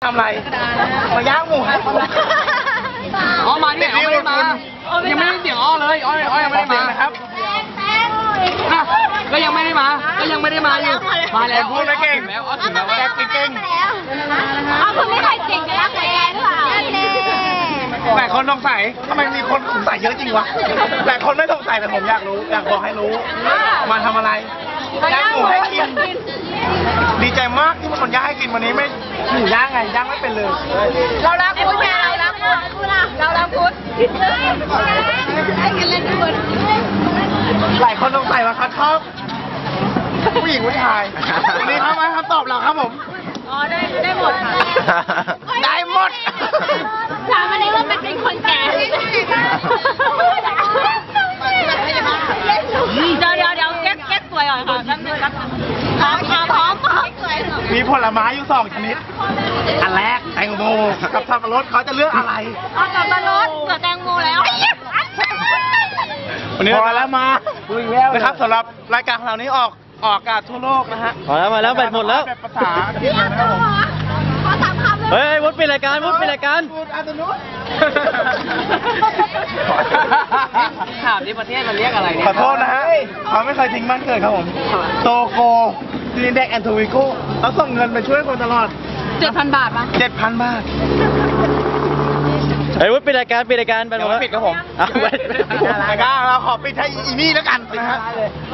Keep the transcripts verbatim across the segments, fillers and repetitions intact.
ทำอะไรมาย่างหมูให้ผมอ๋อมาเนี่ยอ๋อไม่ได้มายังไม่ได้เสียงอ้อเลยอ้ออ้อยังไม่ได้มานะครับก็ยังไม่ได้มาก็ยังไม่ได้มาอยู่มาแล้วพูดไม่เก่งแล้วอ้อถึงแล้วว่าเก่งอ้าวคุณไม่เคยเก่งจะรักแกหรือเปล่าหลายคนสงสัยทำไมมีคนสงสัยเยอะจริงวะหลายคนไม่สงสัยแต่ผมอยากรู้อยากบอกให้รู้มาทำอะไรย่างหมูให้กินดีใจมากที่มันย่างให้กินวันนี้ไม่หมูย่างไงย่างไม่เป็นเลยเรารักคุณไงเรารักคุณเรารักคุณให้กันเล่นด้วยหลายคนสงสัยว่าเขาชอบผู้หญิงผู้ชายวันนี้เขามาคำตอบเราครับผมอ๋อได้ได้หมดค่ะได้หมดถามมาในว่าเป็นคนแก่เดี๋ยวเดี๋ยวเดี๋ยวเก๊กเก๊กสวยหน่อยค่ะแป๊บนึงครับพร้อมพร้อมพร้อมมีผลไม้อยู่สองชนิดอันแรกแตงโมกับสับปะรดเขาจะเลือกอะไรเอาสับปะรดกับแตงโมแล้ววันนี้พอแล้วมานะครับสำหรับรายการของเรานี้ออกออกอากาศทั่วโลกนะฮะพอแล้วมาแล้วแบตหมดแล้วภาษาอังกฤษนะครับผมขอสามคำเลยเฮ้ยวุฒิเป็นรายการวุฒิเป็นรายการถามที่ประเทศมันเรียกอะไรเนี่ยขอโทษนะฮะเขาไม่เคยทิ้งบ้านเกิดครับผมโตโกซีนิเด็กแอนโทวิโก้เขาส่งเงินไปช่วยคนตลอดเจ็ดพันบาทปะเจ็ดพันบาทเฮ้ยวุฒิเป็นรายการเป็นรายการแบตหมดแล้วปิดครับผมเอาไว้รายการเราขอปิดให้อีนี่แล้วกันนะฮะ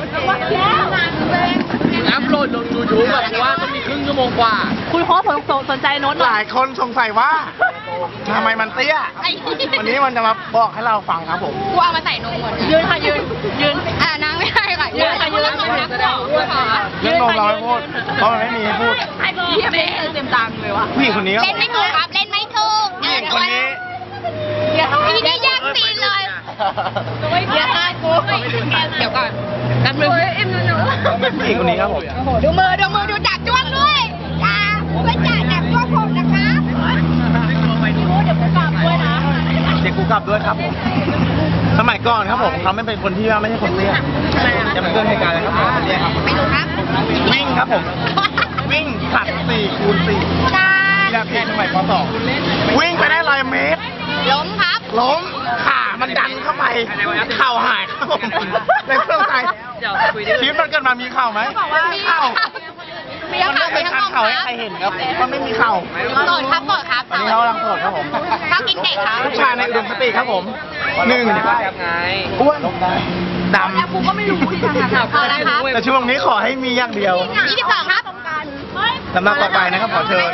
อัพโหลดลงยูทูบแบบว่าต้องมีครึ่งชั่วโมงกว่าคุณโค้ชสนใจโน้ตหลายคนสงสัยว่าทำไมมันเตี้ยวันนี้มันจะมาบอกให้เราฟังครับผมกูเอามาใส่นมหมดยืนค่ะยืนยืนอ่านั่งไม่ได้ค่ะยืนค่ะยืนนั่งนั่งต่อเรื่องนมเราไม่พูดเพราะมันไม่มีให้พูดเยี่ยมเลยเต็มตังเลยวะพี่คนนี้เล่นไม่ถูกครับเล่นไม่ถูกพี่คนนี้พี่นี่แย่งซีนเลยเดี๋ยวกูเดี๋ยวก่อนนับมือเอ็มหนูพี่คนนี้ครับผมดูมือดูมือดูจับจ้วงด้วยจ้าไม่จ่าจับจ้วงผมนะคะเดี๋ยวกูกลับด้วยนะเด็กกูกลับด้วยครับผมสมัยก่อนครับผมเขาไม่เป็นคนที่ว่าไม่ใช่คนเตี้ยจะมาเกิดเหตุการณ์อะไรครับผมเตี้ยครับไม่รู้ครับวิ่งครับผมวิ่งขัดสี่คูณสี่อยากเห็นสมัยป.สองวิ่งไปได้ร้อยเมตรล้มครับล้มขามันดันเข้าไปเข่าหายครับผมในเครื่องใจชีวิตมันเกิดมามีเข่าไหมมีเข่ามีเข่าไม่เป็นการเข่าให้ใครเห็นครับมันไม่มีเข่าโสดครับโสดครับตอนนี้เขากำลังโสดครับผมเขากินเด็กครับผู้ชายในอุดมคติครับผมหนึ่งอ้วนดำกูก็ไม่รู้ที่ทางข่าวเขาแล้วครับแต่ช่วงนี้ขอให้มีอย่างเดียวยี่สิบสองครับสำหรับต่อไปนะครับขอเชิญ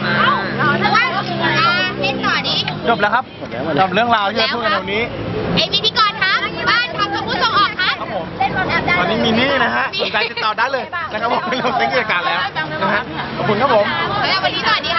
เล่นต่อดิจบแล้วครับจบเรื่องราวที่เราพูดกันตรงนี้เอ็มพิธีกรครับบ้านทำกับผู้ส่งออกครับเล่นบอลแอบได้ตอนนี้มีนี่นะฮะสนใจติดต่อได้เลยนะครับผมเป็นเรื่องกิจการแล้วนะฮะขอบคุณครับผมแล้ววันนี้สวัสดี